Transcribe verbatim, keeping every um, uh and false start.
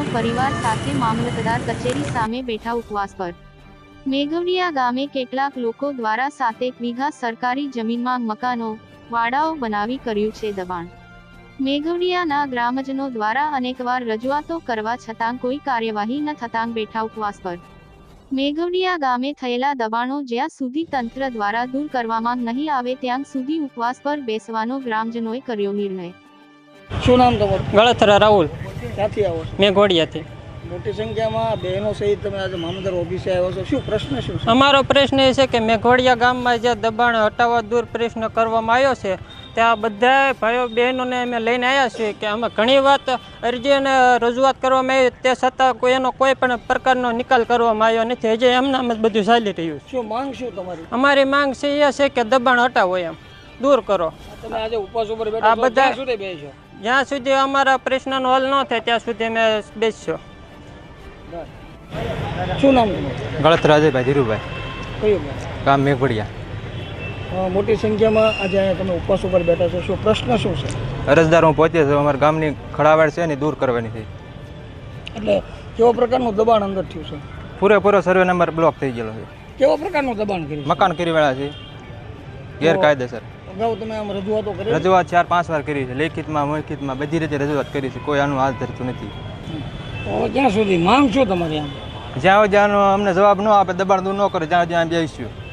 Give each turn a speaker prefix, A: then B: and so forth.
A: પરિવાર સાથે મામલતદાર કચેરી સામે બેઠા ઉપવાસ પર। મેઘવડિયા ગામે કેટલાક લોકો દ્વારા સાતેક વીઘા સરકારી જમીનમાં મકાનો, વાડાઓ બનાવી કર્યું છે દબાણ। મેઘવડિયાના ગ્રામજનો દ્વારા અનેકવાર રજૂઆતો કરવા છતાં કોઈ કાર્યવાહી ન થતાં બેઠા ઉપવાસ પર। મેઘવડિયા ગામે થયેલા દબાણો જ્યાં સુધી તંત્ર દ્વારા દૂર કરવામાં નહીં આવે ત્યાં સુધી ઉપવાસ પર બેસવાનો ગ્રામજનોએ કર્યો નિર્ણય।
B: શું નામ તમારું?
C: ગળથરા રાહુલ,
B: ક્યાંથી આવો છો?
C: મેઘવડિયાથી।
B: મોટી સંખ્યામાં બહેનો સહિત તમે આજે મામલતદાર ઓફિસે આવ્યો છો, શું પ્રશ્ન શું છે?
C: અમારો પ્રશ્ન એ છે કે મેઘવડિયા ગામમાં જે દબાણ હટાવવા દૂર પ્રશ્ન કરવામાં આવ્યો છે ત્યાં બધા ભાઈઓ બહેનોને અમે લઈને આવ્યા છીએ કે અમે ઘણી વાત અરજી અને રજૂઆત કરવામાં આવી તે છતાં કોઈ એનો કોઈ પણ પ્રકારનો નિકાલ કરવામાં આવ્યો નથી। હજી એમનામ જ બધું ચાલી રહ્યું છે।
B: શું માંગ શું તમારી?
C: અમારી માંગ છે એ છે કે દબાણ હટાવો, એમ દૂર કરો।
B: તમે આજે ઉપવાસ ઉપર બેઠા છો, ક્યાં સુધી બેસશો?
C: જ્યાં સુધી અમારા પ્રશ્નનો હલ ન થાય ત્યાં સુધી અમે બેસશો।
B: શું નામ તમારું?
D: ગળથરા અજયભાઈ ધીરુભાઈ,
B: કયું ગામ?
D: ગામ મેઘવડિયા।
B: મોટી સંખ્યામાં આજે અહીંયા તમે ઉપવાસ ઉપર બેઠા છો, શું પ્રશ્ન શું છે?
D: અરજદાર હું પહોંચે છે, અમારા ગામની ખડાવાડ છે ને દૂર કરવાની છે।
B: એટલે કેવા પ્રકારનું દબાણ અંદર થયું છે?
D: પૂરેપૂરો સર્વે નંબર બ્લોક થઈ ગયેલો છે।
B: કેવા પ્રકારનું દબાણ કર્યું?
D: મકાન કરી વાળા છે ગેરકાયદેસર।
B: અગાઉ તમે આમ રજૂઆતો કરી?
D: રજૂઆત ચાર પાંચ વાર કરી છે, લેખિતમાં મૌખિતમાં બધી રીતે રજૂઆત કરી છે, કોઈ આનું હાથ ધરતું નથી।
B: તો ક્યાં સુધી માંગ શું તમારી? આમ
D: જ્યાં જ્યાંનો અમને જવાબ ન આપે, દબાણ દૂર ન કરે ત્યાં જ્યાં બેસીશું।